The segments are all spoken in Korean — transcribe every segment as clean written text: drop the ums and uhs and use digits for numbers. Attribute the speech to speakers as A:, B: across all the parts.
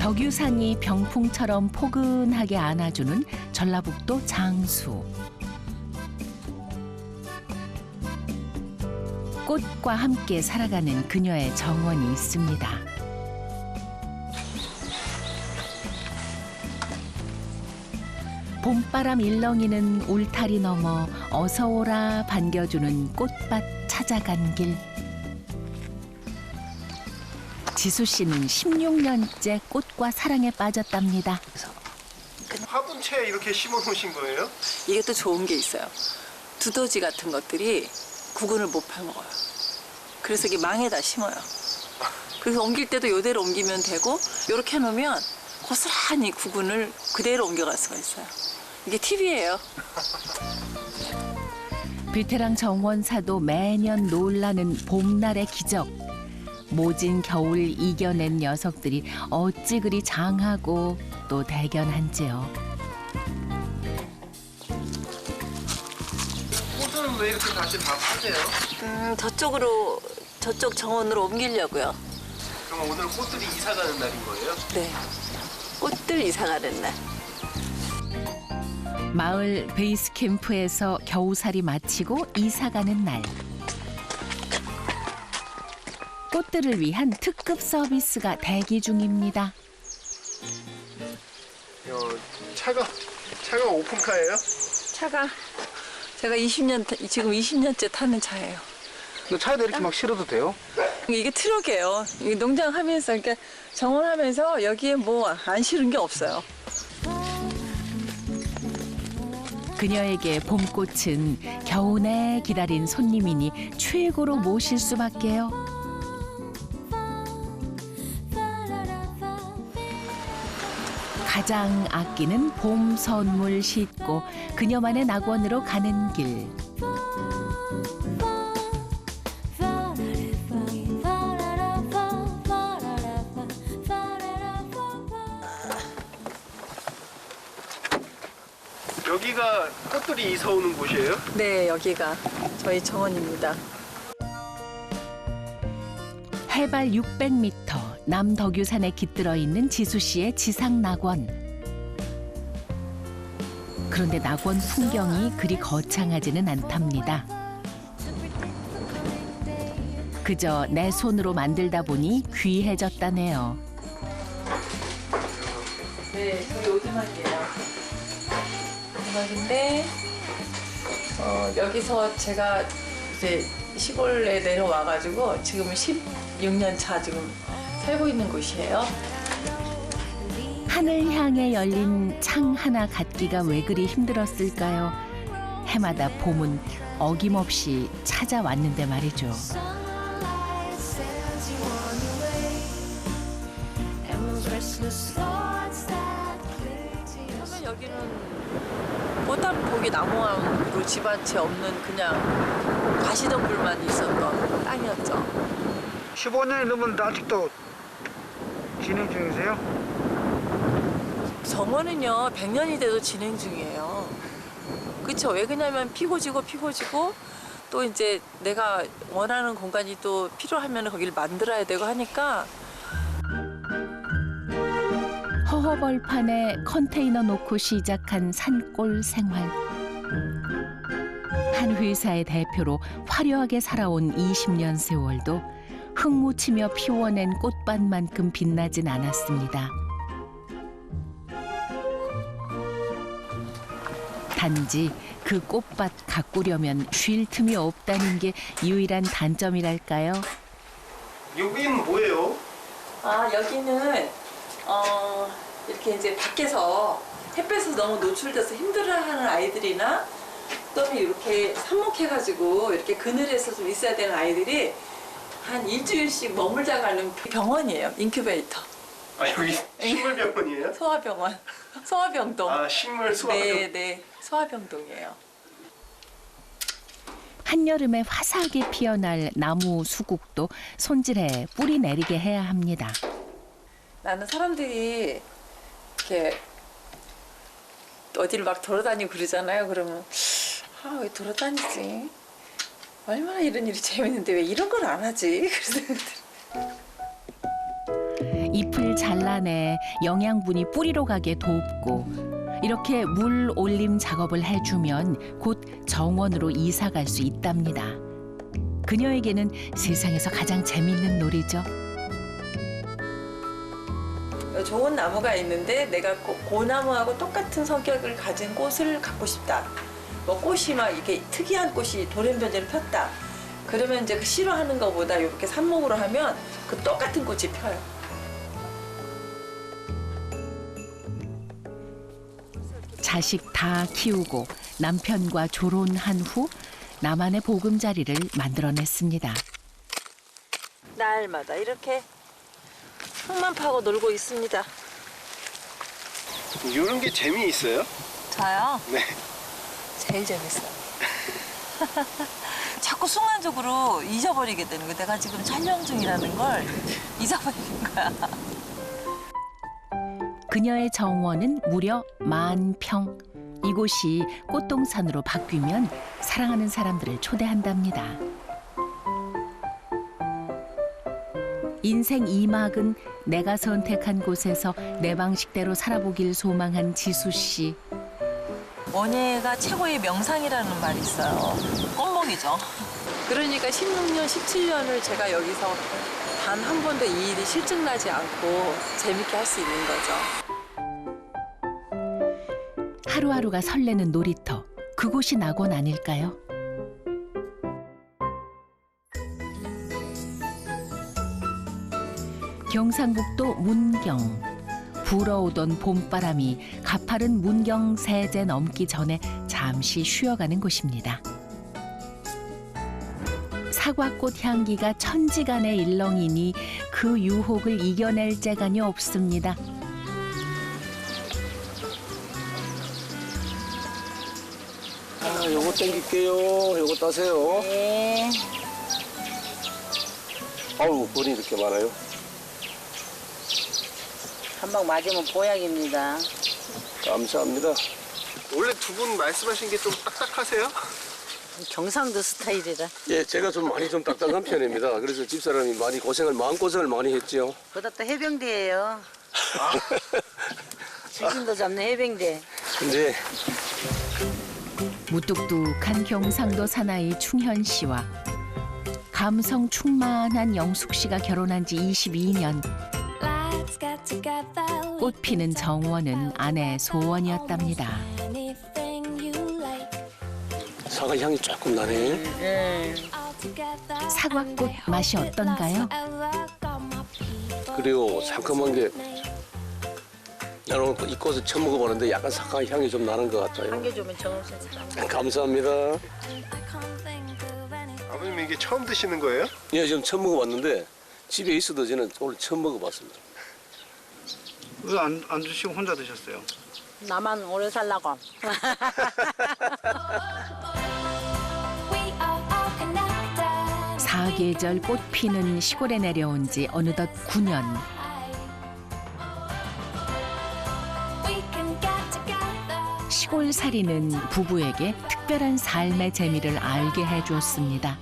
A: 덕유산이 병풍처럼 포근하게 안아주는 전라북도 장수. 꽃과 함께 살아가는 그녀의 정원이 있습니다. 봄바람 일렁이는 울타리 너머 어서 오라 반겨주는 꽃밭 찾아간 길. 지수 씨는 16년째 꽃과 사랑에 빠졌답니다.
B: 화분채에 이렇게 심어 놓으신 거예요?
C: 이게 또 좋은 게 있어요. 두더지 같은 것들이 구근을 못 파먹어요. 그래서 이게 망에다 심어요. 그래서 옮길 때도 이대로 옮기면 되고 이렇게 해놓으면 고스란히 구근을 그대로 옮겨갈 수가 있어요. 이게 팁이에요.
A: 베테랑 정원사도 매년 놀라는 봄날의 기적. 모진 겨울 이겨낸 녀석들이 어찌 그리 장하고 또 대견한지요.
B: 꽃은 왜 이렇게 다시 다 파세요?
C: 저쪽 정원으로 옮기려고요.
B: 그럼 오늘 꽃들이 이사 가는 날인 거예요?
C: 네. 꽃들 이사 가는 날.
A: 마을 베이스 캠프에서 겨우살이 마치고 이사 가는 날. 꽃들을 위한 특급 서비스가 대기 중입니다.
B: 차가 오픈카예요?
C: 차가 제가 지금 20년째 타는 차예요.
D: 차에다 이렇게 막 실어도 돼요?
C: 이게 트럭이에요. 이게 농장 하면서, 그러니까 정원하면서 여기에 뭐 안 실은 게 없어요.
A: 그녀에게 봄꽃은 겨우내 기다린 손님이니 최고로 모실 수밖에요. 가장 아끼는 봄 선물 싣고 그녀만의 낙원으로 가는 길.
B: 여기가 꽃들이 이사 오는 곳이에요?
C: 네, 여기가 저희 정원입니다.
A: 해발 600m 남덕유산에 깃들어 있는 지수 씨의 지상 낙원. 그런데 낙원 풍경이 그리 거창하지는 않답니다. 그저 내 손으로 만들다 보니 귀해졌다네요.
C: 네, 저희 오두막이에요. 오두막인데 여기서 제가 이제 시골에 내려와가지고 지금 16년 차 지금 살고 있는 곳이에요.
A: 하늘 향해 열린 창 하나 갖기가 왜 그리 힘들었을까요? 해마다 봄은 어김없이 찾아왔는데 말이죠.
C: 처음에 여기는 꽃단복이 나무하고 집 한 채 없는 그냥 가시덤불만 있었던 땅이었죠.
D: 15년이 넘었는데 아직도 진행 중이세요?
C: 정원은요 100년이 돼도 진행 중이에요. 그렇죠? 왜 그러냐면 피고 지고 또 이제 내가 원하는 공간이 또 필요하면 거기를 만들어야 되고 하니까.
A: 허허벌판에 컨테이너 놓고 시작한 산골 생활. 한 회사의 대표로 화려하게 살아온 20년 세월도 흙묻히며 피워낸 꽃밭만큼 빛나진 않았습니다. 단지 그 꽃밭 가꾸려면 쉴 틈이 없다는 게 유일한 단점이랄까요?
B: 여기는 뭐예요?
C: 여기는 이렇게 이제 밖에서 햇볕에서 너무 노출돼서 힘들어하는 아이들이나 또는 이렇게 삽목해가지고 이렇게 그늘에서 좀 있어야 되는 아이들이 한 일주일씩 머물다 가는 병원이에요. 인큐베이터.
B: 여기 식물병원이에요?
C: 소아병원. 소아병동.
B: 식물 소아병.
C: 네, 소아병동이에요.
A: 한여름에 화사하게 피어날 나무 수국도 손질해 뿌리 내리게 해야 합니다.
C: 나는 사람들이 이렇게 어디를 막 돌아다니고 그러잖아요. 그러면 왜 돌아다니지? 얼마나 이런 일이 재밌는데 왜 이런 걸 안 하지? 그래서
A: 잎을 잘라내 영양분이 뿌리로 가게 돕고 이렇게 물 올림 작업을 해주면 곧 정원으로 이사 갈 수 있답니다. 그녀에게는 세상에서 가장 재미있는 놀이죠.
C: 좋은 나무가 있는데 내가 그 나무하고 똑같은 성격을 가진 꽃을 갖고 싶다. 뭐 꽃이 막 이렇게 특이한 꽃이 돌연변이를 폈다. 그러면 이제 그 싫어하는 것보다 이렇게 삽목으로 하면 그 똑같은 꽃이 펴요.
A: 자식 다 키우고 남편과 졸혼한 후 나만의 보금자리를 만들어냈습니다.
C: 날마다 이렇게 흙만 파고 놀고 있습니다.
B: 이런 게 재미있어요?
C: 저요?
B: 네.
C: 제일 재밌어요. 자꾸 순간적으로 잊어버리게 되는 거야. 내가 지금 촬영 중이라는 걸 잊어버리는 거야.
A: 그녀의 정원은 무려 10,000평. 이곳이 꽃동산으로 바뀌면 사랑하는 사람들을 초대한답니다. 인생 2막은 내가 선택한 곳에서 내 방식대로 살아보길 소망한 지수 씨.
C: 원예가 최고의 명상이라는 말이 있어요. 껌먹이죠. 그러니까 16년, 17년을 제가 여기서 단 한 번도 이 일이 실증나지 않고 재밌게 할 수 있는 거죠.
A: 하루하루가 설레는 놀이터. 그곳이 낙원 아닐까요? 경상북도 문경. 불어오던 봄바람이 가파른 문경 세제 넘기 전에 잠시 쉬어가는 곳입니다. 사과꽃 향기가 천지간의 일렁이니 그 유혹을 이겨낼 재간이 없습니다.
E: 요거 땡길게요. 요거 따세요.
F: 네.
E: 아우, 벌이 이렇게 많아요.
F: 한 방 맞으면 보약입니다.
E: 감사합니다.
B: 원래 두 분 말씀하신 게 좀 딱딱하세요?
F: 경상도 스타일이라.
E: 예, 제가 좀 많이 좀 딱딱한 편입니다. 그래서 집사람이 많이 마음고생을 많이 했죠.
F: 그다 또 해병대예요. 지금도 잡는 해병대.
E: 근데
A: 무뚝뚝한 경상도 사나이 충현 씨와 감성 충만한 영숙 씨가 결혼한 지 22년. 꽃 피는 정원은 아내의 소원이었답니다.
E: 사과 향이 조금 나네.
F: 네.
A: 사과꽃 맛이 어떤가요?
E: 그리고 상큼한 게 나는 이 꽃을 처음 먹어보는데 약간 사과 향이 좀 나는 것 같아요.
F: 한 개 주면 정없는 사람.
E: 감사합니다.
B: 아버님 이게 처음 드시는 거예요?
E: 예, 지금 처음 먹어봤는데 집에 있어도 저는 오늘 처음 먹어봤습니다.
D: 왜 안 드시고 혼자 드셨어요?
F: 나만 오래 살라고.
A: 사계절 꽃 피는 시골에 내려온 지 어느덧 9년. 시골살이는 부부에게 특별한 삶의 재미를 알게 해주었습니다.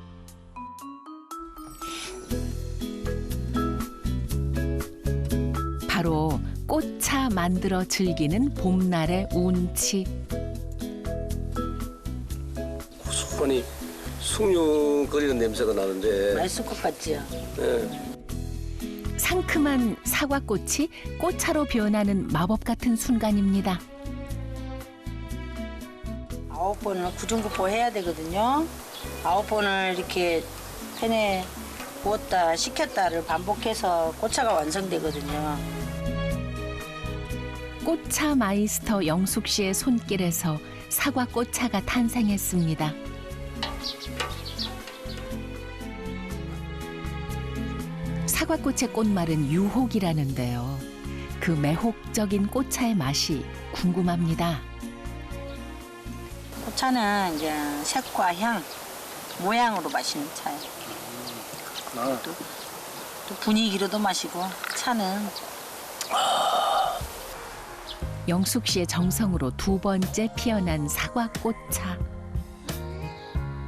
A: 바로 꽃차 만들어 즐기는 봄날의 운치.
E: 고소하니 숭늉거리는 냄새가 나는데
F: 말쑥꽃 같지요?
E: 예,
A: 상큼한 사과꽃이 꽃차로 변하는 마법 같은 순간입니다.
F: 9번을 구중구포 해야 되거든요. 9번을 이렇게 팬에 구웠다 식혔다를 반복해서 꽃차가 완성되거든요.
A: 꽃차 마이스터 영숙 씨의 손길에서 사과 꽃차가 탄생했습니다. 사과꽃의 꽃말은 유혹이라는데요. 그 매혹적인 꽃차의 맛이 궁금합니다.
F: 꽃차는 이제 색과 향, 모양으로 마시는 차예요. 또 분위기로도 마시고 차는
A: 영숙 씨의 정성으로 2번째 피어난 사과꽃차.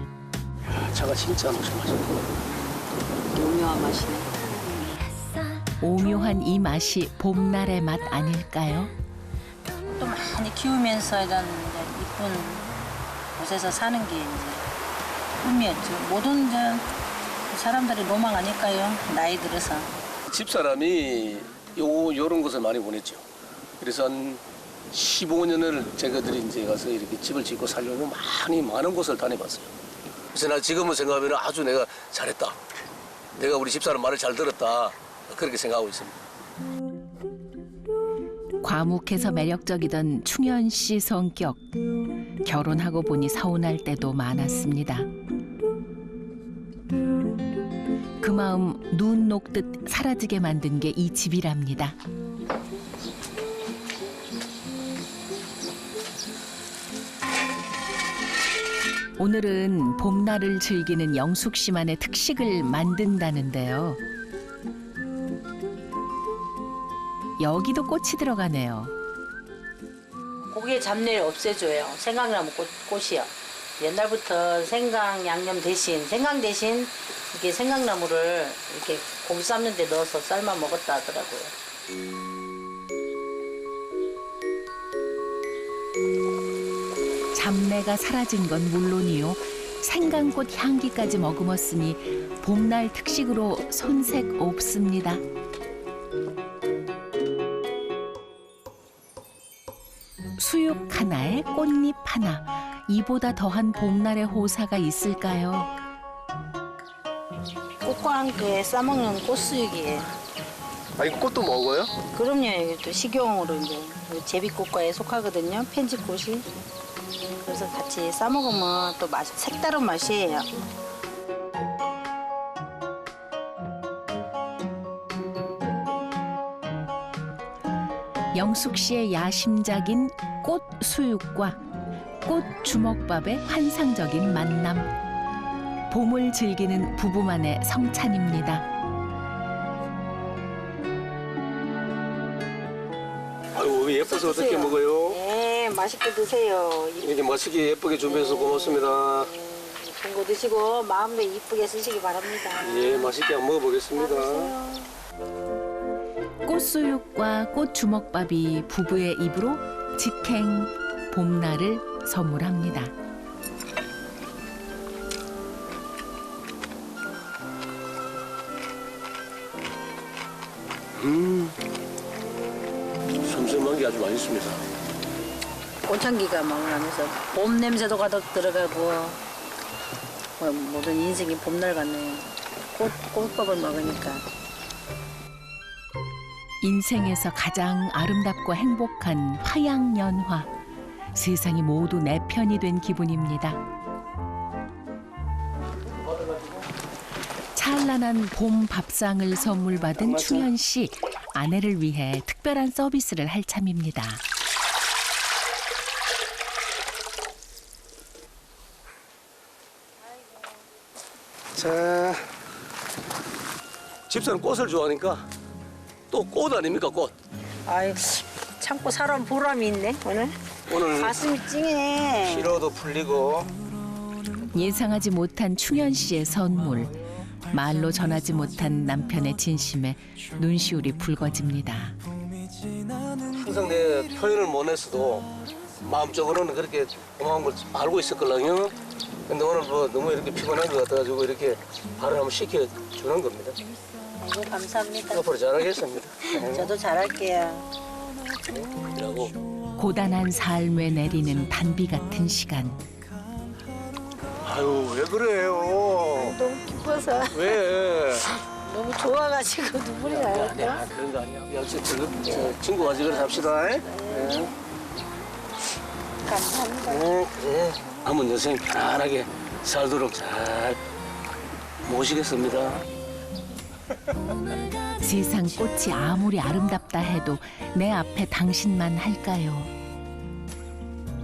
E: 차가 진짜 무슨 맛이야.
F: 오묘한 맛이네.
A: 오묘한 이 맛이 봄날의 맛 아닐까요?
F: 또 많이 키우면서 이런 이제 이쁜 곳에서 사는 게 이제 꿈이었죠. 모든 이제 사람들이 로망 아닐까요? 나이 들어서.
E: 집사람이 요런 곳을 많이 보냈죠. 그래서 한 15년을 제가들이 이제 가서 이렇게 집을 짓고 살려면 많은 곳을 다녀봤어요. 그래서 나 지금은 생각하면 아주 내가 잘했다. 내가 우리 집사람 말을 잘 들었다. 그렇게 생각하고 있습니다.
A: 과묵해서 매력적이던 충현 씨 성격. 결혼하고 보니 서운할 때도 많았습니다. 그 마음 눈 녹듯 사라지게 만든 게 이 집이랍니다. 오늘은 봄날을 즐기는 영숙 씨만의 특식을 만든다는데요. 여기도 꽃이 들어가네요.
F: 고기의 잡내를 없애줘요. 생강나무 꽃이요. 옛날부터 생강 양념 대신 생강 대신 이렇게 생강나무를 이렇게 고기 삶는 데 넣어서 삶아 먹었다 하더라고요.
A: 잡내가 사라진 건 물론이요. 생강꽃 향기까지 머금었으니 봄날 특식으로 손색 없습니다. 수육 하나에 꽃잎 하나. 이보다 더한 봄날의 호사가 있을까요?
F: 꽃과 함께 싸먹는 꽃수육이에요.
B: 아니 꽃도 먹어요?
F: 그럼요. 이게 또 식용으로 이제 제비꽃과에 속하거든요. 편지꽃이. 그래서 같이 싸먹으면 또 색다른 맛이에요.
A: 영숙 씨의 야심작인 꽃 수육과 꽃 주먹밥의 환상적인 만남. 봄을 즐기는 부부만의 성찬입니다.
E: 아유, 왜 예뻐서 어떻게 먹어요?
F: 네, 맛있게 드세요.
E: 이렇게 맛있게 예쁘게 준비해서 고맙습니다.
F: 예쁜 거 드시고 마음도 이쁘게 쓰시기 바랍니다.
E: 예, 맛있게 한번 먹어보겠습니다.
A: 꽃수육과 꽃주먹밥이 부부의 입으로 직행 봄날을 선물합니다.
E: 섬섬한 게 아주 맛있습니다.
F: 꽃향기가 막 나면서 봄 냄새도 가득 들어가고 모든 인생이 봄날 같네요. 꽃밥을 먹으니까.
A: 인생에서 가장 아름답고 행복한 화양연화. 세상이 모두 내 편이 된 기분입니다. 찬란한 봄 밥상을 선물 받은 충현 씨. 아내를 위해 특별한 서비스를 할 참입니다.
E: 자, 집사람 꽃을 좋아하니까 또 꽃 아닙니까, 꽃?
F: 아이 참고 살아온 보람이 있네 오늘.
E: 오늘
F: 가슴이 찡해.
D: 피로도 풀리고
A: 예상하지 못한 충현 씨의 선물. 말로 전하지 못한 남편의 진심에 눈시울이 붉어집니다.
E: 항상 내 표현을 못 했어도 마음적으로는 그렇게 고마운 걸 알고 있었거든요. 근데 오늘 뭐 너무 이렇게 피곤한 것 같아가지고 이렇게 발을 한번 시켜주는 겁니다.
F: 아이고 감사합니다.
E: 앞으로 잘하겠습니다.
F: 저도 잘할게요.
E: 이라고.
A: 고단한 삶에 내리는 단비 같은 시간.
D: 아유 왜 그래요?
F: 너무 기뻐서
D: 왜?
F: 너무 좋아가지고 눈물이 나요.
E: 아니야, 그런 거 아니야. 역시 저 친구가 지금 합시다. 네.
F: 감사합니다.
E: 그래. 한번 여생 편안하게 살도록 잘 모시겠습니다.
A: 세상 꽃이 아무리 아름답다 해도 내 앞에 당신만 할까요?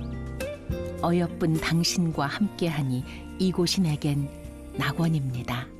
A: 어여쁜 당신과 함께하니 이곳이 내겐 낙원입니다.